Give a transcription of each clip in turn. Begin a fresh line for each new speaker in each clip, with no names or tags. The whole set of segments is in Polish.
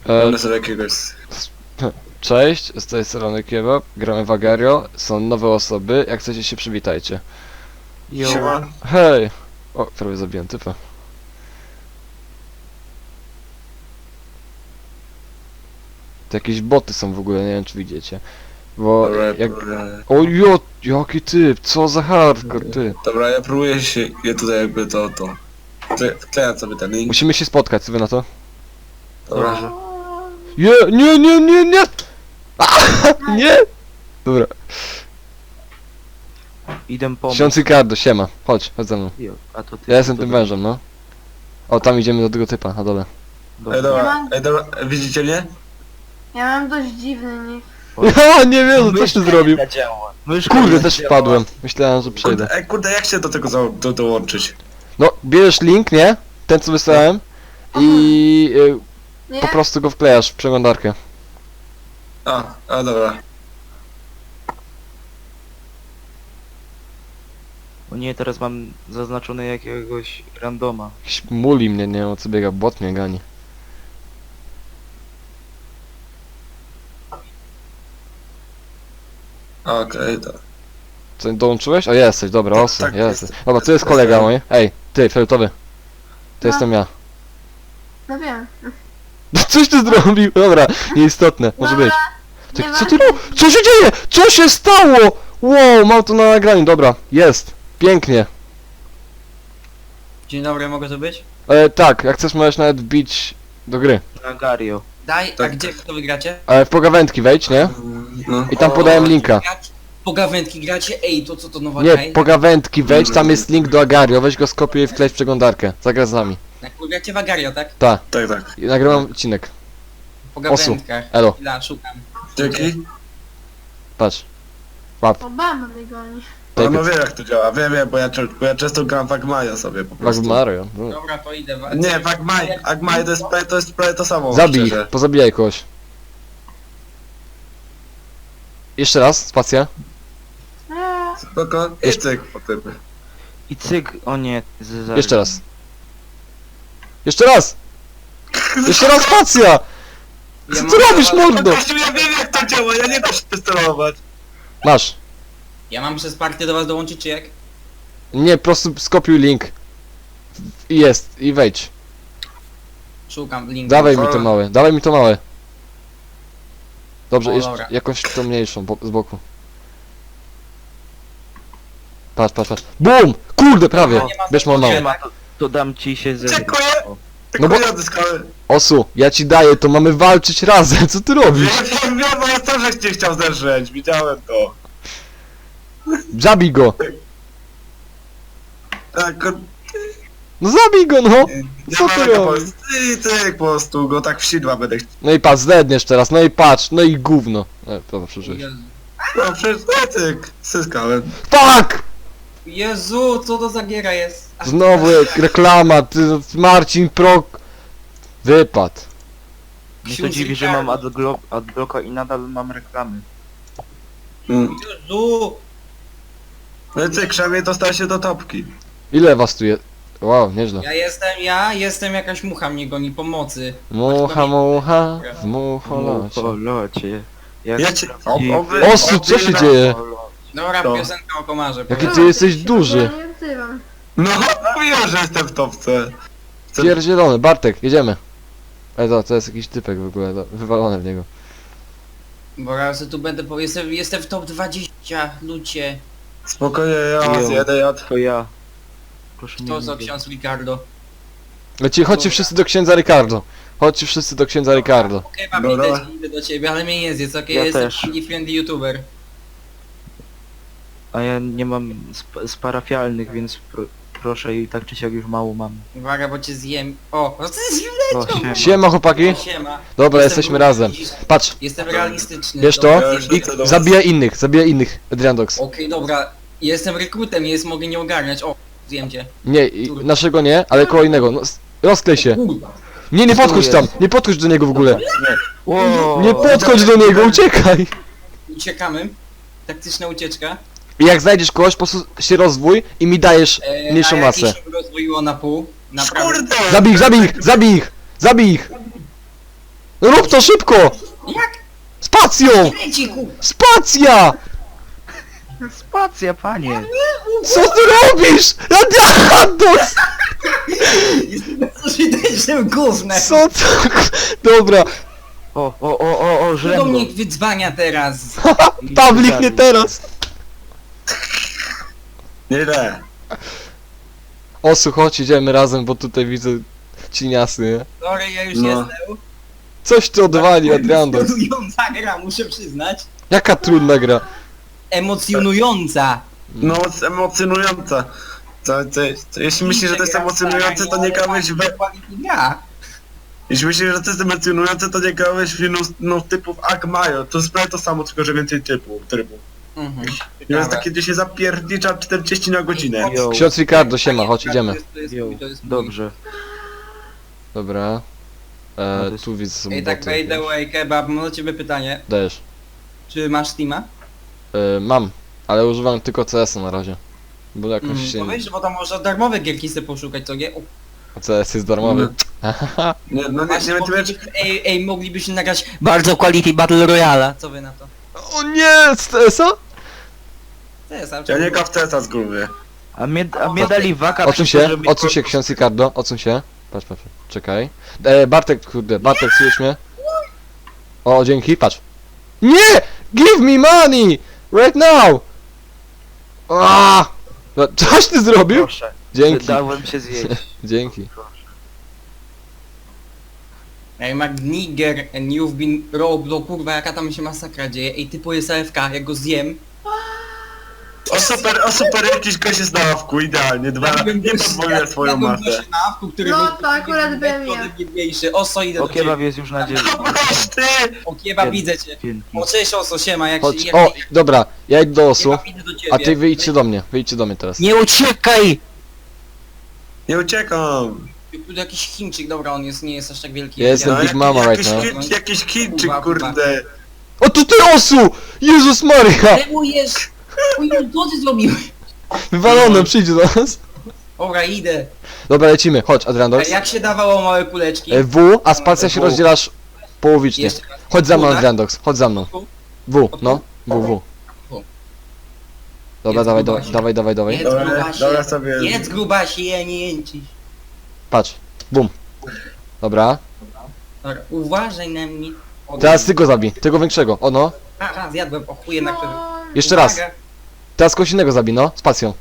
Mamy sobie jakiegoś...
Cześć, z tej strony Kebab, gramy w Agario, są nowe osoby, jak chcecie się przywitajcie.
Siema.
Hej! O, prawie zabiłem typa. To jakieś boty są w ogóle, nie wiem czy widzicie. Bo
Dobra,
jak...
dobra.
O jo, jaki typ, co za hardcore ty.
Dobra, ja próbuję się... Ja tutaj jakby to... Wklejam sobie ten link.
Musimy się spotkać, co wy na to?
Dobra.
Nie! Nie! Dobra.
Idę pomóc.
Ksiądz Ricardo, siema. Chodź ze mną.
Jo, a to ty.
Ja jestem
to
tym
ty.
wężem, no. O, tam idziemy do tego typa, na dole.
Dobra.
Ej, dobra, widzicie mnie?
Ja mam dość dziwny nick.
Ja nie wiem, co ty zrobił.
Myszka
Kurde,
nie
też
działa.
wpadłem. Myślałem, że przejdę.
Kurde, jak się do tego dołączyć?
No, bierzesz link, nie? Ten co wysłałem. I
Nie?
po prostu go wklejasz w przeglądarkę.
A dobra.
O nie, teraz mam zaznaczone jakiegoś randoma.
Jakiś muli mnie, nie wiem o co biega, bot mnie gani.
Okej, to...
Co, dołączyłeś? O, jesteś, dobra,
Tak,
osy,
tak,
jesteś.
jestem.
Dobra, to jest kolega mój. Ej, ty, fioletowy. To
No.
jestem ja.
No wiem.
No coś ty zrobił, dobra, nieistotne, może być. Ty,
Nie
co
ma-
ty robisz? Co się dzieje? Co się stało? Wow, mam to na nagraniu, dobra, jest. Pięknie.
Dzień dobry, mogę tu być?
Tak, jak chcesz możesz nawet wbić do gry.
Na Gario.
Daj, a
Tak.
gdzie to wygracie?
W pogawędki wejdź, nie?
No.
I tam podałem linka.
Pogawędki gracie? Ej, to co to nowa
Nie,
gra?
pogawędki wejdź, tam jest link do Agario, weź go skopiuj i wklej w przeglądarkę. Zagra z nami.
Gracie w Agario, tak?
Ta,
Tak, tak.
i nagrywam odcinek.
W pogawędkach.
Elo,
Chwila, szukam.
Dzięki.
patrz. Łap,
Obama mnie goni.
No,
Take
wiem jak to działa, wiem, bo ja często gram w Agmaja sobie po
Wag
prostu.
Mario. No.
Dobra, to idę.
Nie, w Agmaj to jest prawie to samo.
Zabij
szczerze.
ich, pozabijaj kogoś. Jeszcze raz, spacja.
Spoko, i cyk po tym.
I cyk, o nie.
Jeszcze raz. Jeszcze raz! Jeszcze raz spacja! Co ty robisz, mordo?
Gościu, ja wiem jak to działa, ja nie da się sterować.
Masz.
Ja mam przez partię do was dołączyć, czy jak?
Nie, po prostu skopiuj link. I jest, i wejdź.
Szukam linku.
Dawaj mi to małe, dawaj mi to małe. Dobrze,
O,
jeszcze
dobra.
jakąś to mniejszą, z boku. Patrz. BUM! Kurde, prawie!
Nie ma
Bierz mam małe.
Nie ma, to dam ci się ze...
Dziękuję.
O.
Tylko
bo-
ja odzyskałem.
Osu, ja ci daję, to mamy walczyć razem, co ty robisz?
Wiem, bo ja też cię chciał zderzyć, widziałem to.
Zabij go!
Tak,
No zabij go, no! Co ty robisz?
Ty po prostu go tak w sidła będę chciał.
No i patrz, zdedniesz teraz, no i patrz, no i gówno. Dobra, przeżyłeś.
Jezu.
No przecież tyk, zyskałem.
Fuck!
Jezu, co to za giera jest? Ach,
Znowu reklama, ty, Marcin Prok... Wypad.
Mnie to
Ksiądz
dziwi, że
Ricardo.
mam adblocka i nadal mam reklamy.
Jezu!
No ty krzemie to stał się do topki.
Ile was tu jest? Wow, nieźle.
Ja jestem jakaś mucha mnie goni, pomocy.
Mucha, w mucholocie.
O locie. Jak
Ja cię...
Osu, co się dzieje?
Dobra,
To.
piosenka o komarze.
Jaki
powiem.
ty jesteś duży.
Ja nie odzywam.
No mówiłem, że jestem w topce.
Pierdzielony, Bartek, jedziemy. To jest jakiś typek w ogóle, wywalony w niego.
Bo raz tu będę, bo jestem w top 20, ludzie.
Spokojnie, ja was jedę,
To ja. Proszę
To
nie
co,
mówić.
ksiądz Ricardo?
Chodźcie wszyscy do księdza Ricardo. Chodźcie wszyscy do księdza Ricardo.
Okej, mam
Dobra.
idę do ciebie, ale mnie nie zjedz, okej?
Ja
Jestem
też.
taki friendly youtuber.
A ja nie mam z parafialnych, więc proszę i tak czy siak już mało mam.
Uwaga, bo cię zjem. O, no to jest
O, siema.
Siema chłopaki.
siema.
Dobra,
Jestem
jesteśmy razem. Patrz,
Jestem realistyczny.
bierz to
dobra,
i zabijaj innych, Adriandox.
Okej, dobra. Jestem rekrutem, mogę nie ogarniać. O, zjem cię.
Nie, naszego nie, ale koło innego. No, rozklej się.
Kurwa.
Nie podchodź tam, nie podchodź do niego w ogóle.
Wow.
Nie podchodź do niego, uciekaj.
Uciekamy. Taktyczna ucieczka.
I jak znajdziesz kogoś, po prostu się rozwój i mi dajesz mniejszą
a
masę.
jak się rozwoiło na pół. Naprawdę.
Kurde!
Zabij ich! Rób to szybko!
Jak?
Spacją!
Leci, ku...
Spacja!
Spacja, panie!
Co ty robisz? Adriandos!
Jestem bezużytecznym gównem.
Co to? Dobra,
O,
Kto
żrem
mnie
go.
wydzwania teraz?
Pawlik nie teraz!
Nieźle.
Osu, chodź, idziemy razem, bo tutaj widzę cieniasy, nie?
Sorry, ja już
No.
jestem.
Coś ty odwali, Adriandos.
Emocjonująca gra, muszę przyznać.
Jaka trudna gra.
Emocjonująca.
No, emocjonująca. Jeśli myślisz, że to jest emocjonujące, to nie grałeś w...
Quality gra.
Jeśli myślisz, że to jest emocjonujące, to nie grałeś w no typów Agmajo. To jest prawie to samo, tylko że więcej trybów.
Mhm.
I jest takie, gdzie się zapiernicza 40 na godzinę.
Yo,
Ksiądz Ricardo, siema, chodź, idziemy.
yo,
To jest
dobrze.
Dobra.
No to jest-
Tu widzę sobie
Ej, tak by the way, kebab, mam do ciebie pytanie.
Dajesz.
Czy masz Steama?
Mam, ale używam tylko CS-a na razie. Bo jakoś się...
Powiedz, bo tam można darmowe gierki sobie poszukać, to nie? O,
CS jest darmowy.
Nie, no nie
właśnie,
wiem,
moglibyśmy nagrać bardzo quality Battle Royale. Co wy na to?
O nie, z CS-a?
To jest,
ja nie gram w CS-a z góry.
A mnie dali waka
Odsuń
przez to,
się,
żeby-
odsuń się, ksiądz Ricardo, odsuń się. Patrz, czekaj. Bartek, kurde, Bartek, słyszysz mnie? O, dzięki, patrz. Nie! Give me money! Right now! No, coś ty zrobił?
Proszę,
Dzięki,
dałem się zjeść.
dzięki.
Ej, McNigger and you've been robbed, o kurwa, jaka tam się masakra dzieje. Ej, typu jest AFK, jak go zjem.
O super, jakiś gość jest na ławku, idealnie. Nie pozwolę swoją masę.
No
to akurat byłem ja.
Biedniejszy. Oso, idę
O,
do ciebie.
kebab jest już na dzień.
Masz ty!
O, kebab, widzę cię.
Dzięki.
O, cześć Oso, siema, jak
Chodź,
się...
o, dobra, ja idę do osu,
Kebab, idę do ciebie.
a ty wyjdźcie do mnie teraz.
Nie uciekaj!
Nie uciekam!
Tu jakiś Chińczyk, dobra, on jest, nie jest aż tak wielki.
Ja jestem
jak
Big Mama right now.
Jakiś Chińczyk, kurde.
O, to ty osu! Jezus Maria!
Zajmujesz! Oj, co ty zrobiłeś?
Wywalone, przyjdź do nas.
Dobra, idę.
Dobra, lecimy, chodź, Adriandos.
Jak się dawało małe kuleczki?
W, a spacja się
W.
rozdzielasz połowicznie.
Jeszcze raz.
Chodź za mną,
W, tak?
Adriandox, chodź za mną. W, no, W.
W.
Dobra,
Jedz
dawaj,
grubasie.
dawaj.
Jedz
Dobra,
grubasie.
dobra sobie.
Jedz grubasie, nie jęcisz.
Patrz, bum. Dobra,
Dobra, uważaj na mnie. O,
teraz ty go zabij, tego większego, o no.
Aha, zjadłem, o chuj jednak wtedy.
No,
Jeszcze raz,
Uwaga.
teraz kogoś innego zabij, no, spacją.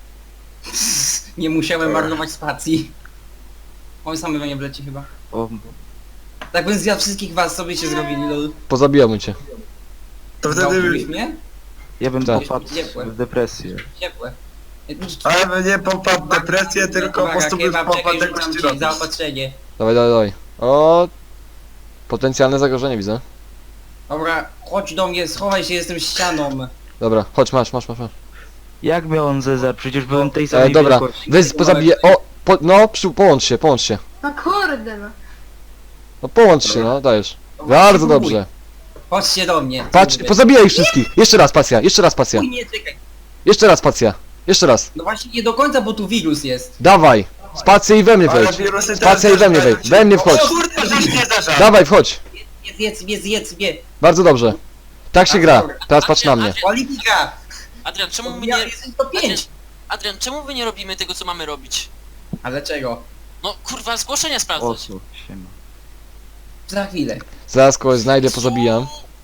Nie musiałem marnować spacji. Oj, samy we mnie wleci chyba.
O,
Tak bym zjadł wszystkich was, sobie się zrobili, lol.
Pozabijałbym cię.
To
Załatwiłeś
wtedy...
mnie?
ja bym
Tak.
popadł
Ciepłe.
w depresję.
Ciepłe.
Ale nie popadł w depresję, tylko po prostu bym
kebab,
popadł
czekaj,
jak
rzucam
ci
ci
robić.
zaopatrzenie.
Dawaj. O, potencjalne zagrożenie widzę.
Dobra, chodź do mnie, schowaj się, jestem ścianą.
Dobra, chodź, masz.
Jak miał on Cezar? Przecież byłem tej samej
Dobra,
wielkości.
weź, pozabiję, połącz się.
no kurde no.
No połącz się, no, dajesz. Bardzo dobrze.
Chodźcie do mnie.
Patrz,
Kurde.
pozabijaj ich wszystkich. Jeszcze raz spacja.
Uj, nie, czekaj.
Jeszcze raz.
No właśnie nie do końca, bo tu wirus jest.
Dawaj. Spację i we mnie
Ale
wejdź.
wirusy
Spacja i we mnie wejdź. We mnie wchodź.
O kurde, żeś nie zażarł!
Dawaj, wchodź.
Zjedz mnie.
Bardzo dobrze. Tak się gra. Teraz patrz na mnie.
Polityka.
Adrian, czemu my
Ja
nie...
jestem to 5.
Adrian, czemu my nie robimy tego, co mamy robić?
A dlaczego?
No kurwa, zgłoszenia sprawdzać.
Osu, siema.
Za chwilę.
Zaraz kogoś znajdę, pozabijam.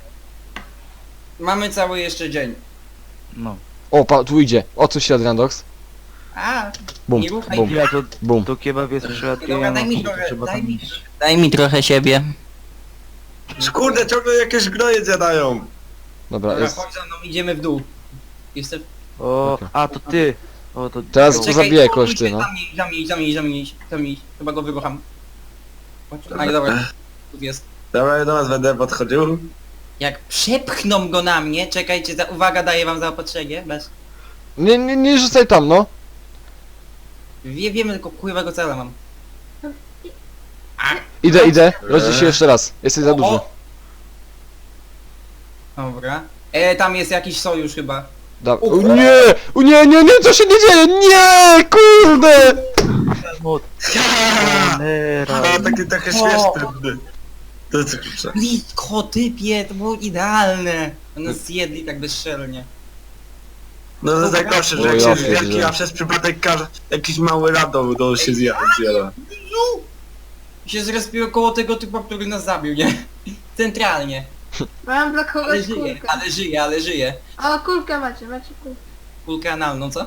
Mamy cały jeszcze dzień.
No.
O, tu idzie. Odsuń się, Adriandox.
A,
Bum,
nie ruchaj
bum,
mnie.
Ja
bum.
to kebab jest
Dobra,
przylatkiem.
daj mi trochę,
Trzeba
daj
tam
mi,
iść.
daj mi trochę siebie.
Kurde, ciągle jakieś gnoje zjadają.
Dobra,
Dobra,
jest.
chodź za mną, idziemy w dół. Jestem...
O,
Okej.
a to ty. O, to
Teraz
to-
Czekaj. Zabijaj kogoś ty, no.
Za mnie, chyba go wyrucham. Chodź, a dobra, tu jest.
Dobra, do nas będę podchodził.
Jak przepchną go na mnie, czekajcie, uwaga, daję wam zaopatrzenie, bez...
Nie rzucaj tam, no.
Wiemy, tylko kurwa cela mam.
Idę. Rozdziel się jeszcze raz. Jesteś za duży.
O! Dobra. Tam jest jakiś sojusz chyba.
O nie, co się nie dzieje? Nie, kurde!
Od
A,
Nera.
taki trochę śmieszny. To jest kurczę.
Blisko, typie, to było idealne. One zjedli tak bezczelnie.
No to jest najgorsze, że
O,
jak
ja
się zwielki,
pierdzielę.
a przez przypadek jakiś mały radom to się zjada.
Się zrespiło koło tego typa, który nas zabił, nie? Centralnie.
Mam dla kogoś
Ale żyje,
kulkę.
ale żyje, ale żyje.
O, kulkę macie kulkę.
Kulkę analną, co?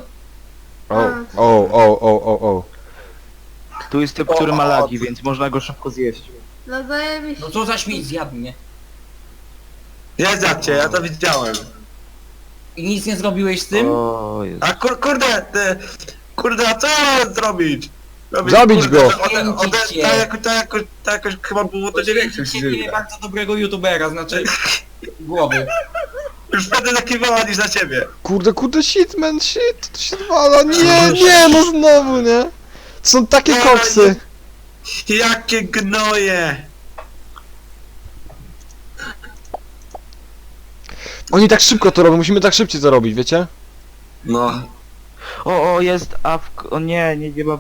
O.
Tu jest typ, który ma lagi, więc można go szybko zjeść.
No zajebiście.
No co za śmieć zjadł mnie.
Nie zjadźcie, ja to widziałem.
I nic nie zrobiłeś z tym?
O, Jezu.
A kurde, a co ja mam zrobić?
Zabić go!
To jakoś chyba było to 9
Ciebie bardzo dobrego youtubera, znaczy głowy.
Już wtedy zakiwała niż na ciebie.
Kurde, shit, man, shit, to się zwala, nie, no znowu, nie? To są takie koksy.
Jakie gnoje!
Oni tak szybko to robią, musimy tak szybciej to robić, wiecie?
No.
O, jest awk. O nie ma...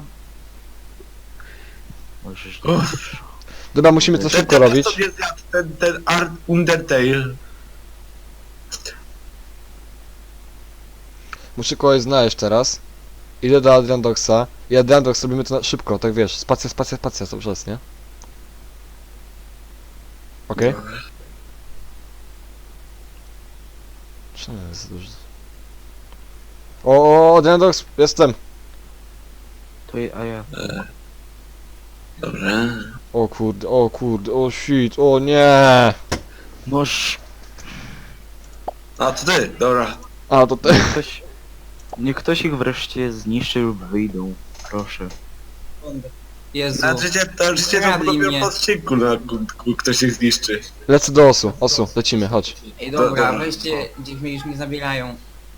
Możesz...
Dobra, musimy to szybko robić.
Sobie zjadł ten Art Undertale.
Muszę kogoś znaleźć teraz. Idę do Adriandoxa. I Adriandox robimy to szybko, tak wiesz, spacja, to przez, nie? Okej? Czemu jest dużo? O, Adriandox, jestem!
A ja...
Dobrze.
O kurde, o shit, o nie!
Noż...
A to ty, dobra.
A, to te...
Niech ktoś ich wreszcie zniszczy lub wyjdą. Proszę.
Jezu.
To życie to
Kradli
dopiero
mnie.
po odcinku, ktoś ich zniszczy.
Lecę do Osu, lecimy, chodź.
Ej dobra,
Dobra.
weźcie, gdzieś mnie już nie zabierają.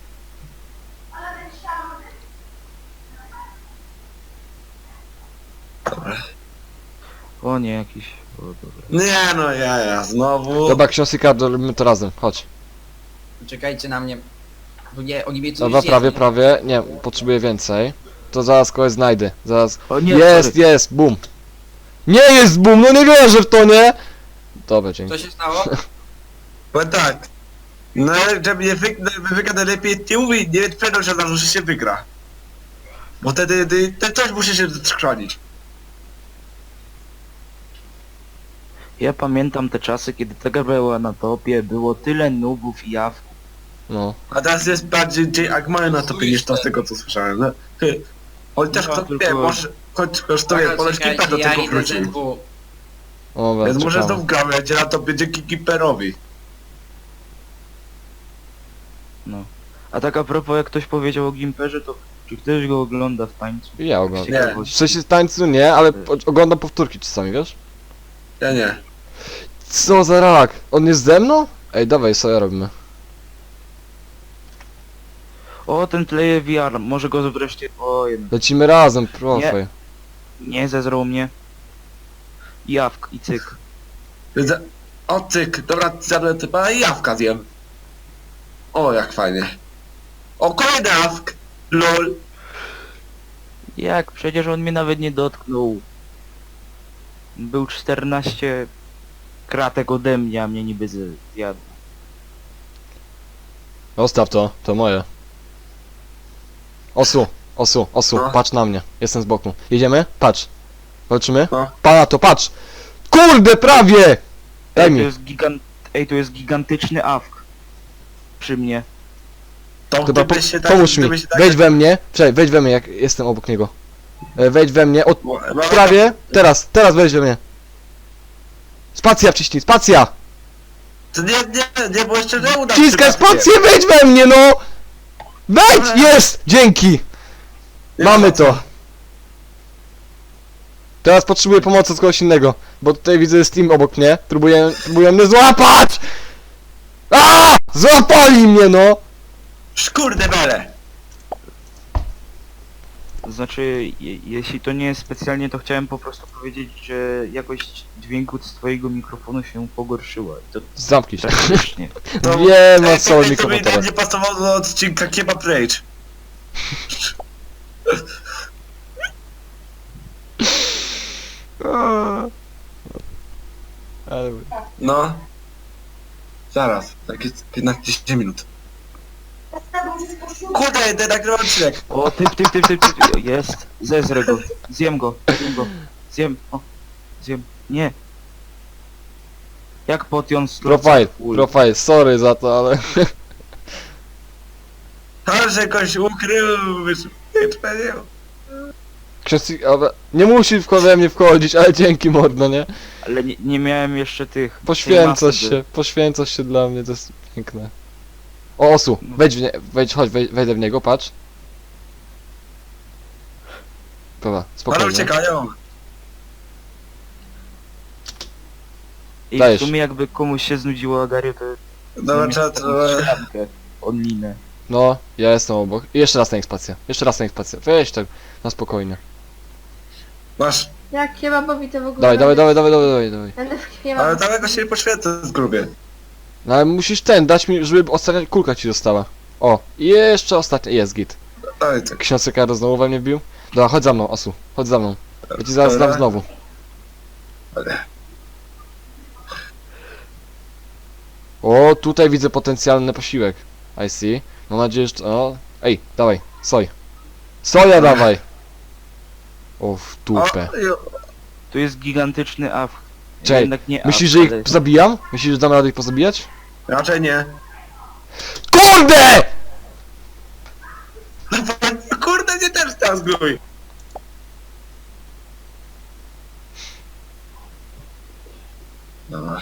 Dobra.
O nie, jakiś... O, dobra.
Nie no, ja znowu.
Dobra, ksiądz i Kardo, robimy to razem, chodź.
Czekajcie na mnie. Bo nie, oni mnie coś
Dobra,
zjedli.
prawie, nie, potrzebuję więcej. To zaraz kogoś znajdę, zaraz...
O nie,
Jest, boom! Nie jest boom, no nie wierzę w to, nie? Dobra, dzięki.
Co się stało?
Powiem tak. No, żeby nie wygra najlepiej nie mówi, nie twierdzą się że się wygra. Bo wtedy ten coś musi się schronić.
Ja pamiętam te czasy, kiedy taka była na topie, było tyle nubów i jawków.
No.
A teraz jest bardziej Agmają na topie niż to z tego co słyszałem. No. Chociaż
No,
kto
tylko-
wie, może... Choć to wie, ponoć
Czekajcie,
Keeper do
ja
tego
idę
wrócił.
ZW.
Dobra,
Więc może
czekamy.
znów gramy, będzie na topie dzięki Keeperowi.
No. A tak a propos, jak ktoś powiedział o Gimperze, to czy ktoś go ogląda w tańcu?
Ja oglądam.
Nie.
W sensie tańcu nie, ale oglądam powtórki czasami, wiesz?
Ja nie.
Co za rak? On jest ze mną? Ej, dawaj, co ja robimy?
O, ten Player VR, może go wreszcie... O, jednak.
Lecimy razem, proszę.
Nie, zezrał mnie. Jawk i cyk.
Więc... O cyk, dobra, zjadłem typa i jawka zjem. O, jak fajnie. O, kolejny jawk! LOL.
Jak? Przecież on mnie nawet nie dotknął. Był 14 kratek ode mnie, a mnie niby zjadł.
Zostaw to moje. Osu,
No.
patrz na mnie. Jestem z boku. Jedziemy? Patrz. Walczymy?
No.
Pana to, patrz! Kurde, prawie! Daj
Ej,
mi.
to jest gigantyczny awk. Przy mnie.
To
Dobra,
gdybyś się tak...
pomóż mi.
gdybyś się tak-
Wejdź we mnie. Czekaj, wejdź we mnie, jak jestem obok niego. Wejdź we mnie. Od...
No,
Prawie. Teraz wejdź we mnie. Spacja wciśnij, spacja!
To nie, bo jeszcze nie uda
Wciskaj
przypadkiem.
spację, wejdź we mnie, no! Wejdź! Jest! Dzięki! Mamy to! Teraz potrzebuję pomocy od kogoś innego, bo tutaj widzę Steam obok mnie. Próbuję mnie złapać! A! Złapali mnie, no!
Szkurde bele!
Znaczy, jeśli to nie jest specjalnie, to chciałem po prostu powiedzieć, że jakość dźwięku z twojego mikrofonu się pogorszyła. I to
Zamknij się.
drastycznie.
Wiem,
Ej,
o co
to
mikrofon
mi
teraz.
nie pasowało do odcinka Kebab Rage.
Ale...
No. Zaraz, takie 15 minut. Kurde, ten nagrywam odcinek.
O, typ. Jest. Zezrę go. Zjem go. Zjem. O. Zjem. Nie. Jak potion
Profile, sorry za to, ale...
Ale że jakoś ukrył, wyszpenił.
Ksiądz, ale... Nie musi we mnie wchodzić, ale dzięki mordo, nie?
Ale nie miałem jeszcze tych...
Poświęcasz
tej
się, poświęcasz się dla mnie, to jest piękne. O, Osu, wejdź w nie, chodź, wejdę w niego, patrz. Dobra,
Ale
spokojnie.
uciekają.
I w
Dajesz.
sumie jakby komuś się znudziło Agario, to...
Dobra, trzeba...
Onlinę.
No, ja jestem obok. I jeszcze raz na ekspancję, weź tak, na spokojnie.
Masz.
Jak kebabowi to w ogóle...
Dawaj.
Będę w
Ale
kebab.
tam jakoś się poświęcę z grubie.
No ale musisz dać mi, żeby ostatnia kulka ci została. O, i jeszcze ostatnia, jest git.
Daj tak.
Ksiądz Sekaro znowu we mnie bił. Dobra, chodź za mną, Osu, chodź za mną. Ja ci zaraz
Dobra.
dam znowu. O, tutaj widzę potencjalny posiłek. I see. Mam nadzieję, że... O, ej, dawaj, soj. Soja dawaj! O, w dupę.
Tu jest gigantyczny AF.
Czekaj,
Jednak nie
Myślisz,
AF,
że ich
ale-
zabijam? Myślisz, że dam radę ich pozabijać?
Raczej nie.
KURDE!
Kurde, nie też teraz grój. Dobra.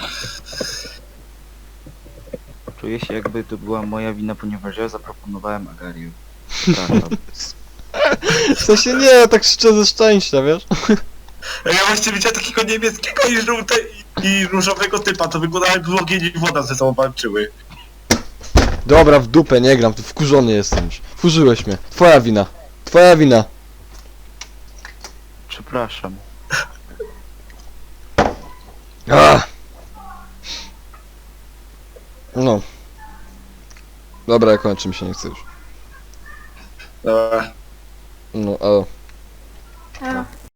Czuję się jakby to była moja wina, ponieważ ja zaproponowałem Agariu. Przepraszam.
W sensie nie, tak szczerze szczęścia, wiesz?
Ja właśnie widziałem takiego niebieskiego i różowego typa, to wyglądało jakby ogień i woda ze sobą walczyły.
Dobra, w dupę, nie gram, tu wkurzony jestem już. Wkurzyłeś mnie. Twoja wina. Twoja wina.
Przepraszam.
Ach. No. Dobra, ja kończę, mi się nie chce już.
Dobra.
No, ale...
Ja.